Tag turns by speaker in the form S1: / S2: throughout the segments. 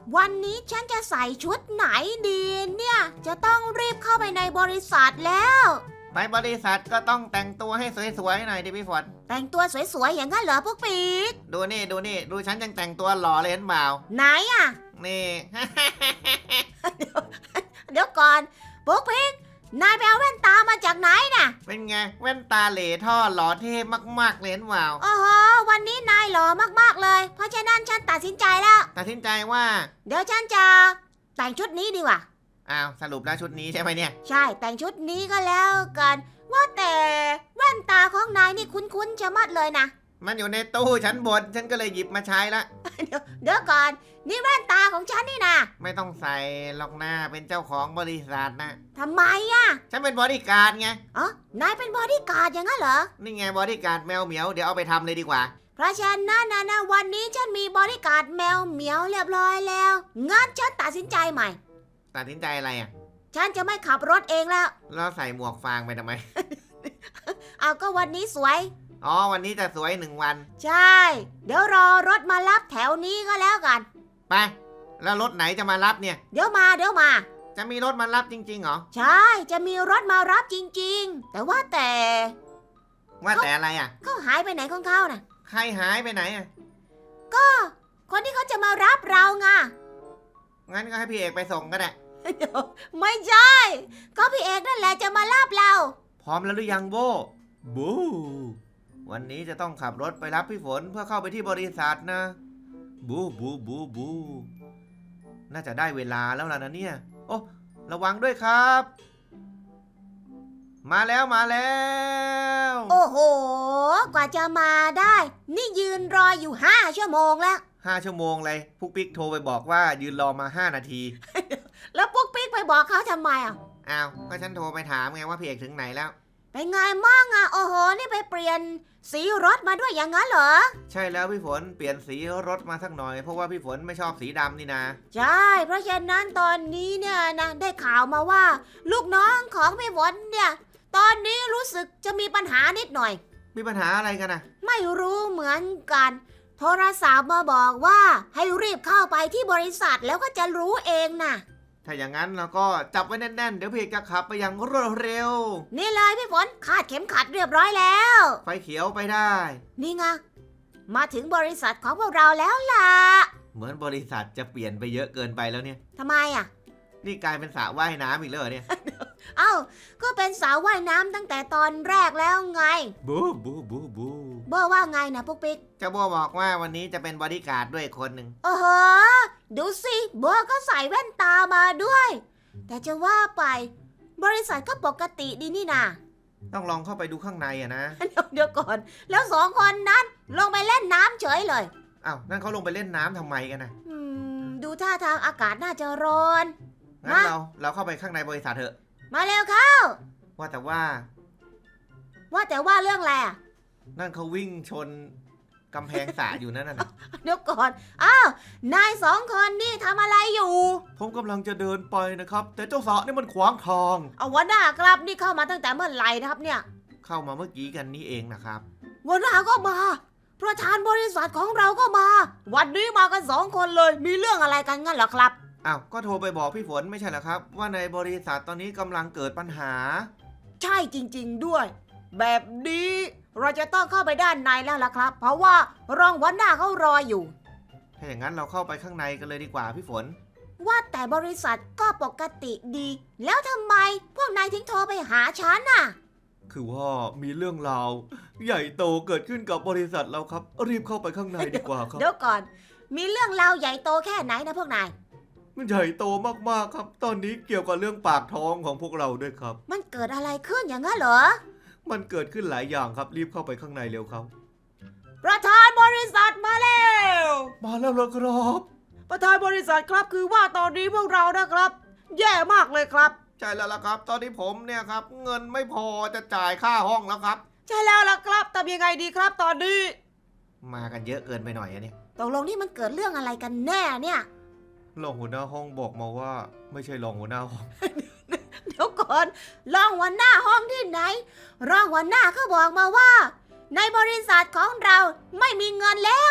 S1: วันนี้ฉันจะใส่ชุดไหนดีเนี่ย จะต้องรีบเข้าไปในบริษัทแล้ว
S2: ไปบริษัทก็ต้องแต่งตัวให้สวยๆหน่อยดิพี่ฝน
S1: แต่งตัวสวยๆอย่างนั้นเหรอพวกปีก
S2: ดูนี่ดูฉันยังแต่งตัวหล่อเลยเห็นเปล่า
S1: ไหนอะ
S2: นี่
S1: เดี๋ยวก่อนพวกปีกนายไปเอาแว่นตามาจากไหนน่ะ
S2: เป็นไงแว่นตาเหล่ท่อหล่อเท่มากๆเลยเห็นเปล่า
S1: โอ้โหวันนี้นายหล่อมากๆเลย เพราะฉะนั้นฉันตัดสินใจแล้ว
S2: ตัดสินใจว่า
S1: เดี๋ยวฉันจะแต่งชุดนี้ดีกว่า
S2: อ้าวสรุปแล้วชุดนี้ใช่ไหมเนี่ย
S1: ใช่แต่งชุดนี้ก็แล้วกัน ว่าแต่แว่นตาของนายนี่คุ้นๆชะมัดเลยนะ
S2: มันอยู่ในตู้ชั้นบนฉันก็เลยหยิบมาใช้ละ
S1: เดี๋ยวก่อนนี่แว่นตาของฉันนี่นะ
S2: ไม่ต้องใส่หรอกหน้าเป็นเจ้าของบริษัทนะ
S1: ทำไมอะ
S2: ฉันเป็นบริการดไง
S1: อ๋อนายเป็นบอดี้การ์ดอย่างนั้นเหรอ
S2: นี่ไงบริการดแมวเหมียวเดี๋ยวเอาไปทำเลยดีกว่า
S1: เพราะฉะนั้นนะวันนี้ฉันมีบอดี้การ์ดแมวเหมียวเรียบร้อยแล้วงั้นฉันตัดสินใจใหม่
S2: ตัดสินใจอะไรอ่ะ
S1: ฉันจะไม่ขับรถเองแล้ว
S2: แล้วใส่หมวกฟางไปทำไม
S1: เอาก็วันนี้สวย
S2: อ๋อวันนี้จะสวย1 วัน
S1: ใช่ เดี๋ยวรอรถมารับแถวนี้ก็แล้วกัน
S2: ไปแล้วรถไหนจะมารับเนี่ย
S1: เดี๋ยวมา
S2: จะมีรถมารับจริงๆเหรอ
S1: ใช่ จะมีรถมารับจริงๆ แต่ว่าแต่
S2: ว่าแต่อะไรอ่ะ
S1: เขาหายไปไหนของเขาน่ะ
S2: ใครหายไปไหนอ่ะ
S1: คนที่เขาจะมารับเราไง
S2: งั้นก็ให้พี่เอกไปส่งก็ได้
S1: เดี๋ยวไม่ใช่ ก็พี่เอกนั่นแหละจะมารับเรา
S2: พร้อมแล้วหรือยังโบบูวันนี้จะต้องขับรถไปรับพี่ฝนเพื่อเข้าไปที่บริษัทนะบูน่าจะได้เวลาแล้วล่ะนะเนี่ยโอ้ระวังด้วยครับ มาแล้ว
S1: โอ้โห กว่าจะมาได้ นี่ยืนรออยู่5 ชั่วโมงแล้ว
S2: 5 ชั่วโมงเลยพุกปิ๊กโทรไปบอกว่ายืนรอมา5 นาที
S1: แล้วปุ๊กปิ๊กไปบอกเขาทำไมอ่ะ
S2: อ้าวก็ฉันโทรไปถามไงว่าพี่เอกถึงไหนแล้ว
S1: เป็นไงมั่งอ่ะ โอ้โห นี่ไปเปลี่ยนสีรถมาด้วยอย่างนั้นเหรอ
S2: ใช่แล้วพี่ฝนเปลี่ยนสีรถมาสักหน่อยเพราะว่าพี่ฝนไม่ชอบสีดำนี่นะ
S1: ใช่ เพราะฉะนั้นตอนนี้เนี่ยนะได้ข่าวมาว่า ลูกน้องของพี่ฝนเนี่ย ตอนนี้รู้สึกจะมีปัญหานิดหน่อย
S2: มีปัญหาอะไรกันนะ
S1: ไม่รู้เหมือนกัน โทรศัพท์มาบอกว่าให้รีบเข้าไปที่บริษัทแล้วก็จะรู้เองนะ
S2: ถ้าอย่างนั้นเราก็จับไว้แน่นๆเดี๋ยวพี่เอกจะขับไปอย่างรวดเร็ว
S1: นี่เลยพี่ฝนคาดเข็มขัดเรียบร้อยแล้ว
S2: ไฟเขียวไปได้
S1: นี่ไงมาถึงบริษัทของพวกเราแล้วล่ะ
S2: เหมือนบริษัทจะเปลี่ยนไปเยอะเกินไปแล้วเนี่ย
S1: ทำไมอ่ะ
S2: นี่กลายเป็นสระว่ายน้ำอีกแล้วเหรอเนี่ย
S1: เอ้าก็เป็นสาวว่ายน้ำตั้งแต่ตอนแรกแล้วไง
S2: บู
S1: เบอร์ว่าไงนะปุ๊กปิ๊ก
S2: เจ้าโบบอกว่าวันนี้จะเป็นบอดี้การ์ดด้วยคนหนึ่ง
S1: โอ้โหดูสิเบอร์ก็ใส่แว่นตามาด้วย แต่จะว่าไปบริษัทก็ปกติดีนี่นา
S2: ต้องลองเข้าไปดูข้างในอะนะ
S1: เดี๋ยวก่อน แล้ว2 คนนั้นลงไปเล่นน้ำเฉยเลย
S2: อ้าวนั่นเขาลงไปเล่นน้ำทำไมกันนะ
S1: ดูท่าทางอากาศน่าจะร้อน
S2: งั้นเราเข้าไปข้างในบริษัทเถอะ
S1: มาเร็วเข้า
S2: ว่าแต่ว่า
S1: ว่าแต่ว่าเรื่องอะไรอ่ะ
S2: นั่นเขาวิ่งชนกำแพงสระอยู่นั่นน่ะ
S1: เดี๋ยวก่อน อ้าว นาย2 คนนี่ทำอะไรอยู่
S2: ผมกำลังจะเดินไปนะครับ แต่เจ้าสระนี่มันขวางทาง
S1: เอาหัวหน้าครับนี่เข้ามาตั้งแต่เมื่อไหร่นะครับเนี่ย
S2: เข้ามาเมื่อกี้กันนี่เองนะครับ
S1: หัวหน้าก็มา ประธานบริษัทของเราก็มา วันนี้มากัน2 คนเลย มีเรื่องอะไรกันงั้นเหรอครับ
S2: อ้าวก็โทรไปบอกพี่ฝนไม่ใช่เหรอครับ ว่าในบริษัทตอนนี้กำลังเกิดปัญหา
S1: ใช่จริงๆด้วย แบบนี้เราจะต้องเข้าไปด้านในแล้วล่ะครับ เพราะว่ารองหัวหน้าเขารออยู่
S2: ถ้าอย่างนั้นเราเข้าไปข้างในกันเลยดีกว่าพี่ฝน
S1: ว่าแต่บริษัทก็ปกติดี แล้วทำไมพวกนายถึงโทรไปหาฉันน่ะ
S2: คือว่ามีเรื่องราวใหญ่โตเกิดขึ้นกับบริษัทเราครับ รีบเข้าไปข้างในดีกว่าครับ
S1: เดี๋ยวก่อน มีเรื่องราวใหญ่โตแค่ไหนนะพวกนาย
S2: มันใหญ่โตมากๆครับ ตอนนี้เกี่ยวกับเรื่องปากท้องของพวกเราด้วยครับ
S1: มันเกิดอะไรขึ้นอย่างนั้นเหรอ
S2: มันเกิดขึ้นหลายอย่างครับ รีบเข้าไปข้างในเร็วครับ
S1: ประธานบริษัทมาแล้ว
S2: มาแล้วเหรอครับ
S1: ประธานบริษัทครับคือว่าตอนนี้พวกเรานะครับ แย่มากเลยครับ
S2: ใช่แล้วล่ะครับ ตอนนี้ผมเนี่ยครับ เงินไม่พอจะจ่ายค่าห้องแล้วครับ
S1: ใช่แล้วล่ะครับทำยังไงดีครับตอนนี้
S2: มากันเยอะเกินไปหน่อยอะเนี่ย
S1: ตกลงนี่มันเกิดเรื่องอะไรกันแน่เนี่ย
S2: รองหัวหน้าห้องบอกมาว่า ไม่ใช่รองหัวหน้าห้อง
S1: เดี๋ยวก่อนรองหัวหน้าห้องที่ไหนรองหัวหน้าเขาบอกมาว่า ในบริษัทของเราไม่มีเงินแล้ว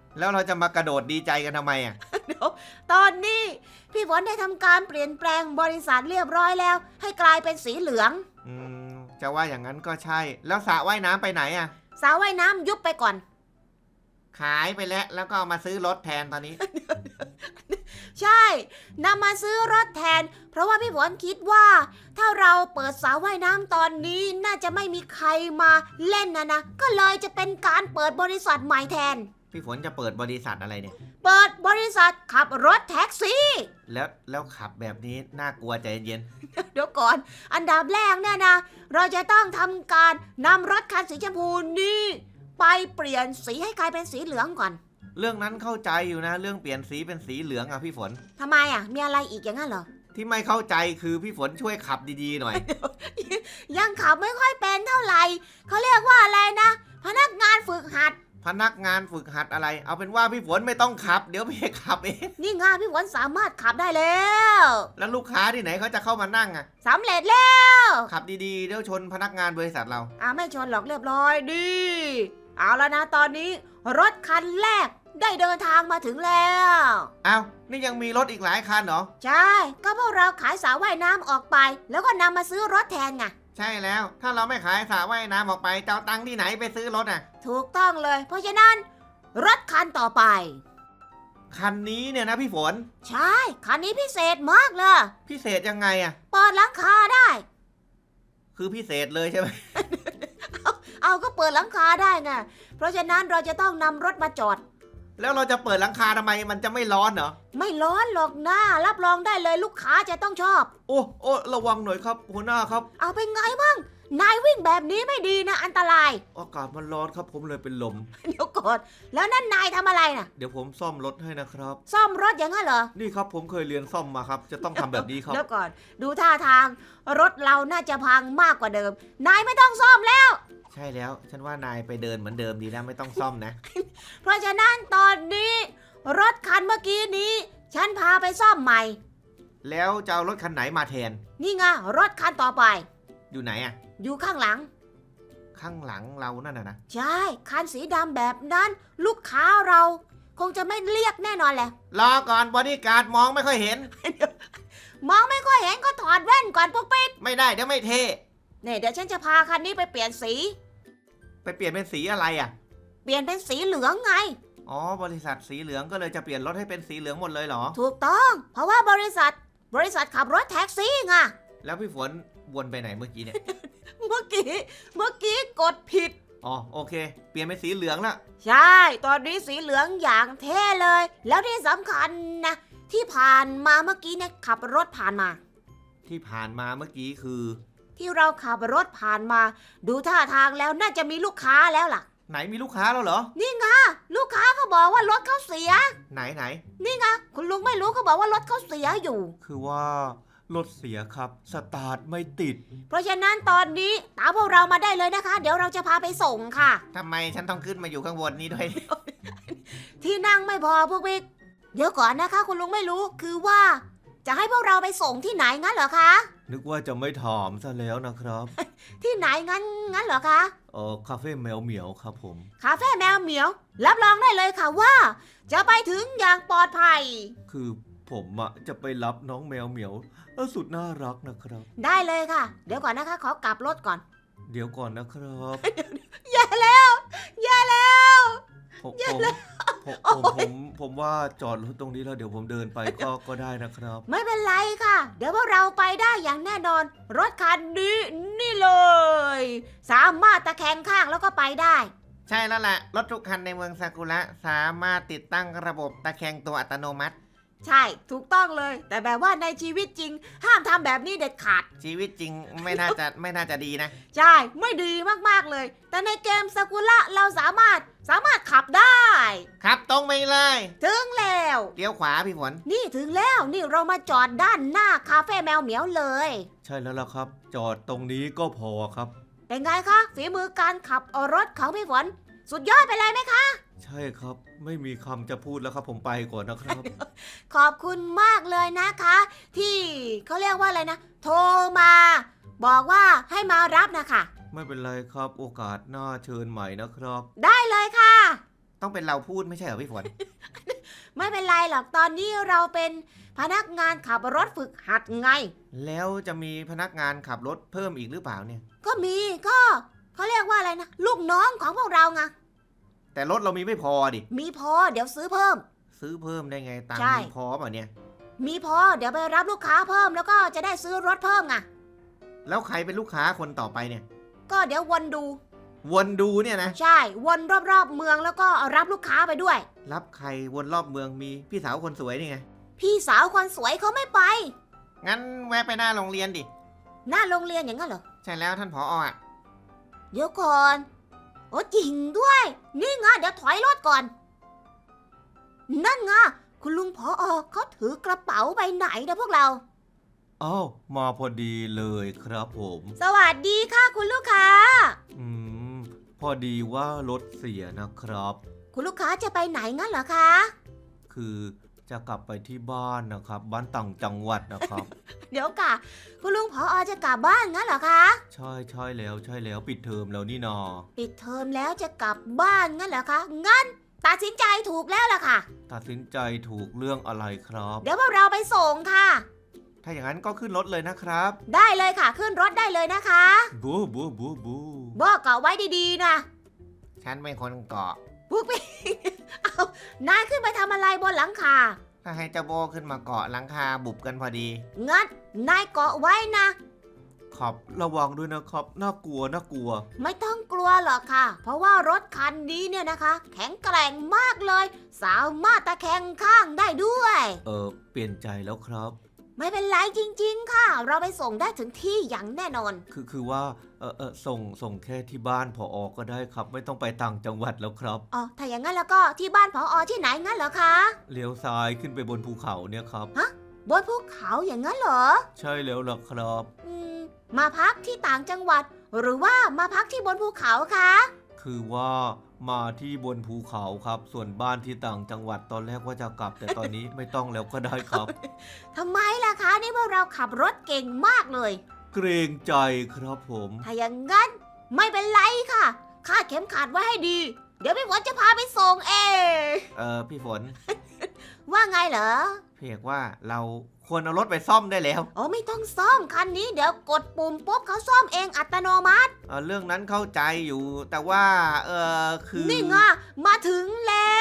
S2: แล้วเราจะมากระโดดดีใจกันทำไมอ่ะ
S1: เดี๋ยวตอนนี้พี่ฝนได้ทำการเปลี่ยนแปลงบริษัทเรียบร้อยแล้ว ให้กลายเป็นสีเหลือง
S2: อืมจะว่าอย่างนั้นก็ใช่ แล้วสระว่ายน้ำไปไหนอ่ะ
S1: สระว่ายน้ำยุบไปก่อน
S2: ขายไปแล้วก็เอามาซื้อรถแทนตอนนี้
S1: ใช่นำมาซื้อรถแทน เพราะว่าพี่ฝนคิดว่า ถ้าเราเปิดสระว่ายน้ำตอนนี้น่าจะไม่มีใครมาเล่นนะก็เลยจะเป็นการเปิดบริษัทใหม่แทน
S2: พี่ฝนจะเปิดบริษัทอะไรเนี่ย
S1: เปิดบริษัทขับรถแท็กซี่
S2: แล้วขับแบบนี้น่ากลัวใจเย็น
S1: เดี๋ยวก่อน อันดับแรกเนี่ยนะ เราจะต้องทำการนำรถคันสีชมพูนี้ไปเปลี่ยนสีให้กลายเป็นสีเหลืองก่อน
S2: เรื่องนั้นเข้าใจอยู่นะเรื่องเปลี่ยนสีเป็นสีเหลืองอ่ะพี่ฝน
S1: ทำไมอ่ะ มีอะไรอีกอย่างนั้นเหรอ
S2: ที่ไม่เข้าใจคือพี่ฝนช่วยขับดีๆหน่อย
S1: ยังขับไม่ค่อยเป็นเท่าไหร่เขาเรียกว่าอะไรนะ พนักงานฝึกหัด
S2: พนักงานฝึกหัดอะไร เอาเป็นว่าพี่ฝนไม่ต้องขับ เดี๋ยวพี่ขับเอง
S1: นี่ไงพี่ฝนสามารถขับได้แล้ว
S2: แล้วลูกค้าที่ไหนเขาจะเข้ามานั่งอ่ะ
S1: สำเร็จแล้ว
S2: ขับดีๆเดี๋ยวชนพนักงานบริษัทเรา
S1: ไม่ชนหรอกเรียบร้อยดี เอาแล้วนะตอนนี้ รถคันแรกได้เดินทางมาถึงแล้ว
S2: อ้าวนี่ยังมีรถอีกหลายคันเหรอ
S1: ใช่ ก็พวกเราขายสระว่ายน้ำออกไป แล้วก็นำมาซื้อรถแทนไง
S2: ใช่แล้ว ถ้าเราไม่ขายสระว่ายน้ำออกไปจะเอาตังค์ที่ไหนไปซื้อรถอ่ะ
S1: ถูกต้องเลย เพราะฉะนั้น รถคันต่อไป
S2: คันนี้เนี่ยนะพี่ฝน
S1: ใช่ คันนี้พิเศษมากเลย
S2: พิเศษยังไงอ่ะ
S1: เปิดหลังคาได้
S2: คือพิเศษเลยใช่ไหม
S1: เอาก็เปิดหลังคาได้ไง เพราะฉะนั้นเราจะต้องนำรถมาจอด
S2: แล้วเราจะเปิดหลังคาทำไมมันจะไม่ร้อนเหรอ
S1: ไม่ร้อนหรอกนะรับรองได้เลยลูกค้าจะต้องชอบ
S2: โอ้ระวังหน่อยครับหัวหน้าครับ
S1: เอาเป็นไงบ้างนายวิ่งแบบนี้ไม่ดีนะอันตราย
S2: อากาศมันร้อนครับผมเลยเป็นลม
S1: เดี๋ยวก่อน แล้วนั่นนายทำอะไรน่ะ
S2: เดี๋ยวผมซ่อมรถให้นะครับ
S1: ซ่อมรถอย่างนั้นเหรอ
S2: นี่ครับผมเคยเรียนซ่อมมาครับ จะต้องทำแบบนี้ครับ
S1: เดี๋ยวก่อน ดูท่าทาง รถเราน่าจะพังมากกว่าเดิม นายไม่ต้องซ่อมแล้ว
S2: ใช่แล้ว ฉันว่านายไปเดินเหมือนเดิมดีแล้วไม่ต้องซ่อมนะ
S1: เพราะฉะนั้นตอนนี้ รถคันเมื่อกี้นี้ ฉันพาไปซ่อมใหม่
S2: แล้วจะเอารถคันไหนมาแทน
S1: นี่ไงรถคันต่อไป
S2: อยู่ไหนอะ
S1: อยู่ข้างหลัง
S2: ข้างหลังเรานั่นนะ
S1: ใช่ คันสีดำแบบนั้น ลูกค้าเรา คงจะไม่เรียกแน่นอนแหละ
S2: รอก่อนบอดี้การ์ดมองไม่ค่อยเห็น
S1: มองไม่ค่อยเห็นก็ถอดแว่นก่อนปุ๊กปิ๊ก
S2: ไม่ได้เดี๋ยวไม่เท่
S1: เนี่ยเดี๋ยวฉันจะพาคันนี้ไปเปลี่ยนสี
S2: ไปเปลี่ยนเป็นสีอะไรอะ
S1: เปลี่ยนเป็นสีเหลืองไง
S2: อ๋อบริษัทสีเหลืองก็เลยจะเปลี่ยนรถให้เป็นสีเหลืองหมดเลยเหรอ
S1: ถูกต้อง เพราะว่าบริษัทขับรถแท็กซี่ไง
S2: แล้วพี่ฝนวนไปไหนเมื่อกี้เนี่ย
S1: เมื่อกี้กดผิด
S2: อ๋อโอเค เปลี่ยนเป็นสีเหลืองละ
S1: ใช่ ตอนนี้สีเหลืองอย่างเท่เลย แล้วที่สำคัญนะ ที่ผ่านมาเมื่อกี้เนี่ยขับรถผ่านมา
S2: ที่ผ่านมาเมื่อกี้คือ
S1: ที่เราขับรถผ่านมา ดูท่าทางแล้วน่าจะมีลูกค้าแล้วล่ะ
S2: ไหนมีลูกค้าแล้วเหรอ
S1: นี่ไงลูกค้าเขาบอกว่ารถเขาเสีย
S2: ไหน
S1: นี่ไงคุณลุงไม่รู้เขาบอกว่ารถเขาเสียอยู่
S2: คือว่ารถเสียครับสตาร์ทไม่ติด
S1: เพราะฉะนั้นตอนนี้ตามพวกเรามาได้เลยนะคะ เดี๋ยวเราจะพาไปส่งค่ะ
S2: ทำไมฉันต้องขึ้นมาอยู่ข้างบนนี้ด้วย
S1: ที่นั่งไม่พอพวกบิ๊กเดี๋ยวก่อนนะคะ คุณลุงไม่รู้คือว่า จะให้พวกเราไปส่งที่ไหนงั้นเหรอคะ
S2: นึกว่าจะไม่ถามซะแล้วนะครับ
S1: ที่ไหนงั้นเหรอคะ
S2: คาเฟ่แมวเหมียวครับผม
S1: คาเฟ่แมวเหมียว รับรองได้เลยค่ะว่า จะไปถึงอย่างปลอดภัย
S2: คือผมจะไปรับน้องแมวเหมียวสุดน่ารักนะครับ
S1: ได้เลยค่ะ เดี๋ยวก่อนนะคะ ขอกลับรถก่อน
S2: เดี๋ยวก่อนนะครับ
S1: แย่แล้ว
S2: ผม
S1: อย่าเลย
S2: ผมว่าจอดรถตรงนี้แล้วเดี๋ยวผมเดินไปก็ได้นะครับ
S1: ไม่เป็นไรค่ะ เดี๋ยวพวกเราไปได้อย่างแน่นอน รถคันนี้นี่เลย สามารถตะแคงข้างแล้วก็ไปได้
S2: ใช่แล้วแหละรถทุกคันในเมืองซากุระสามารถติดตั้งระบบตะแคงตัวอัตโนมัติ
S1: ใช่ถูกต้องเลย แต่แบบว่าในชีวิตจริง ห้ามทำแบบนี้เด็ดขาด
S2: ชีวิตจริงไม่น่าจะดีนะ
S1: ใช่ไม่ดีมากๆเลย แต่ในเกมซากุระเราสามารถขับได้
S2: ครับตรงไปเลย
S1: ถึงแล้ว
S2: เลี้ยวขวาพี่ฝน
S1: นี่ถึงแล้วนี่เรามาจอดด้านหน้าคาเฟ่แมวเหมียวเลย
S2: ใช่แล้วล่ะครับ จอดตรงนี้ก็พอครับ
S1: เป็นไงคะฝีมือการขับรถของพี่ฝนสุดยอดไปเลยไหมคะ
S2: ใช่ครับไม่มีคำจะพูดแล้วครับผมไปก่อนนะครับ
S1: ขอบคุณมากเลยนะคะ ที่เขาเรียกว่าอะไรนะ โทรมา บอกว่าให้มารับนะคะ
S2: ไม่เป็นไรครับโอกาสหน้าเชิญใหม่นะครับ
S1: ได้เลยค่ะ
S2: ต้องเป็นเราพูดไม่ใช่เหรอพี่ฝน
S1: ไม่เป็นไรหรอกตอนนี้เราเป็นพนักงานขับรถฝึกหัดไง
S2: แล้วจะมีพนักงานขับรถเพิ่มอีกหรือเปล่าเนี่ย
S1: ก็มีก็เขาเรียกว่าอะไรนะลูกน้องของพวกเราไง
S2: แต่รถเรามีไม่พอดิ
S1: มีพอเดี๋ยวซื้อเพิ่ม
S2: ซื้อเพิ่มได้ไงตังค์
S1: ใช่
S2: มีพอเปล่าเนี่ย
S1: มีพอเดี๋ยวไปรับลูกค้าเพิ่มแล้วก็จะได้ซื้อรถเพิ่มไง
S2: แล้วใครเป็นลูกค้าคนต่อไปเนี่ย
S1: ก็เดี๋ยววนดู
S2: วนดูเนี่ยนะ
S1: ใช่วนรอบๆเมืองแล้วก็รับลูกค้าไปด้วย
S2: รับใครวนรอบเมืองมีพี่สาวคนสวยนี่ไง
S1: พี่สาวคนสวยเขาไม่ไป
S2: งั้นแวะไปหน้าโรงเรียนดิ
S1: หน้าโรงเรียนอย่างนั้นเหรอ
S2: ใช่แล้วท่านผออ่ะ
S1: เดี๋ยวก่อนโอ้จริงด้วย นี่ไงเดี๋ยวถอยรถก่อน นั่นไงคุณลุงผอเขาถือกระเป๋าใบไหนนะพวกเรา
S2: อ้าวมาพอดีเลยครับผม
S1: สวัสดีค่ะคุณลูกค้า
S2: พอดีว่ารถเสียนะครับ
S1: คุณลูกค้าจะไปไหนงั้นเหรอคะ
S2: คือจะกลับไปที่บ้านนะครับ บ้านต่างจังหวัดนะครับ
S1: เดี๋ยวก่ะคุณลุงผอจะกลับบ้านงั้นเหรอคะ
S2: ใช่แล้วปิดเทอมแล้วนี่นา
S1: ปิดเทอมแล้วจะกลับบ้านงั้นเหรอคะงั้นตัดสินใจถูกแล้วล่ะค่ะ
S2: ตัดสินใจถูกเรื่องอะไรครับ
S1: เดี๋ยวพวกเราไปส่งค่ะ
S2: ถ้าอย่างนั้นก็ขึ้นรถเลยนะครับ
S1: ได้เลยค่ะขึ้นรถได้เลยนะคะ
S2: บูบูบูบู
S1: บอกเกาะไว้ดีๆนะ
S2: ฉันเป็นคนเกาะ
S1: พวกพี่ เอานายขึ้นไปทำอะไรบนหลังคา
S2: ถ้าให้เจ้าโบขึ้นมาเกาะหลังคาบุบกันพอดี
S1: งั้นนายเกาะไว้นะ
S2: ครับระวังด้วยนะครับน่ากลัว
S1: ไม่ต้องกลัวหรอกค่ะ เพราะว่ารถคันนี้เนี่ยนะคะ แข็งแกร่งมากเลย สามารถตะแคงข้างได้ด้วย
S2: เปลี่ยนใจแล้วครับ
S1: ไม่เป็นไรจริงๆค่ะ เราไปส่งได้ถึงที่อย่างแน่นอน
S2: คือว่าส่งแค่ที่บ้านผอก็ได้ครับ ไม่ต้องไปต่างจังหวัดแล้วครับ
S1: อ๋อ ถ้าอย่างนั้นแล้วก็ที่บ้านผอที่ไหนงั้นเหรอคะ
S2: เลี้ยวซ้ายขึ้นไปบนภูเขาเนี่ยครับ
S1: บนภูเขาอย่างนั้นเหรอ
S2: ใช่แล้วล่ะครับ
S1: มาพักที่ต่างจังหวัด หรือว่ามาพักที่บนภูเขาคะ
S2: คือว่ามาที่บนภูเขาครับ ส่วนบ้านที่ต่างจังหวัดตอนแรกว่าจะกลับ แต่ตอนนี้ ไม่ต้องแล้วก็ได้ครับ
S1: ทำไมล่ะคะนี่พวกเราขับรถเก่งมากเลย
S2: เกรงใจครับผม
S1: ถ้าอย่างนั้นไม่เป็นไรค่ะคาดเข็มขัดไว้ให้ดี เดี๋ยวพี่ฝนจะพาไปส่งเอง
S2: พี่ฝน
S1: ว่าไงเหรอ
S2: พี่เอกว่าเราควรเอารถไปซ่อมได้แล้ว
S1: อ๋อไม่ต้องซ่อมคันนี้เดี๋ยวกดปุ่มปุ๊บเขาซ่อมเองอัตโนมัติ
S2: เรื่องนั้นเข้าใจอยู่ แต่ว่าคือ
S1: นี่ไงมาถึงแล้ว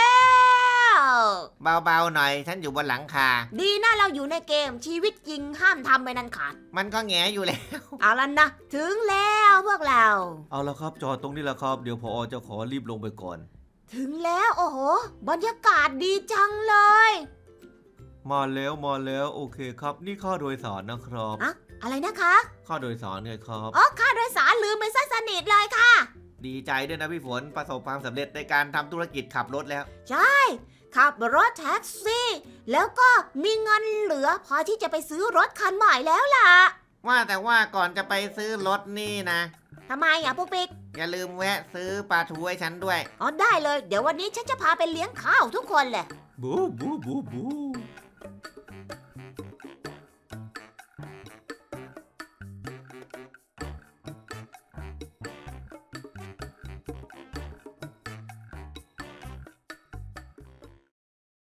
S2: เบาๆหน่อย ฉันอยู่บนหลังคา
S1: ดีนะเราอยู่ในเกมชีวิตจริงห้ามทำไปนันขาด
S2: มันก็แงอยู่แล้ว
S1: เอาละนะ ถึงแล้วพวกเรา
S2: เอาละครับจอดตรงนี้แหละครับ เดี๋ยวพอจะขอรีบลงไปก่อน
S1: ถึงแล้วโอ้โหบรรยากาศดีจังเลย
S2: มาแล้วโอเคครับ นี่ค่าโดยสารนะครับ
S1: อะอะไรนะคะ
S2: ค่าโดยสารไงครับ
S1: อ๋อค่าโดยสารลืมไปซะสนิทเลยค่ะ
S2: ดีใจด้วยนะพี่ฝนประสบความสำเร็จในการทำธุรกิจขับรถแล้ว
S1: ใช่ขับรถแท็กซี่ แล้วก็มีเงินเหลือพอที่จะไปซื้อรถคันใหม่แล้วล่ะ
S2: ว่าแต่ว่าก่อนจะไปซื้อรถนี่นะ
S1: ทำไมอ่ะปุ๊กปิ๊ก
S2: อย่าลืมแวะซื้อปลาทูให้ฉันด้วย
S1: อ๋อได้เลย เดี๋ยววันนี้ฉันจะพาไปเลี้ยงข้าวทุกคนเลย
S2: บู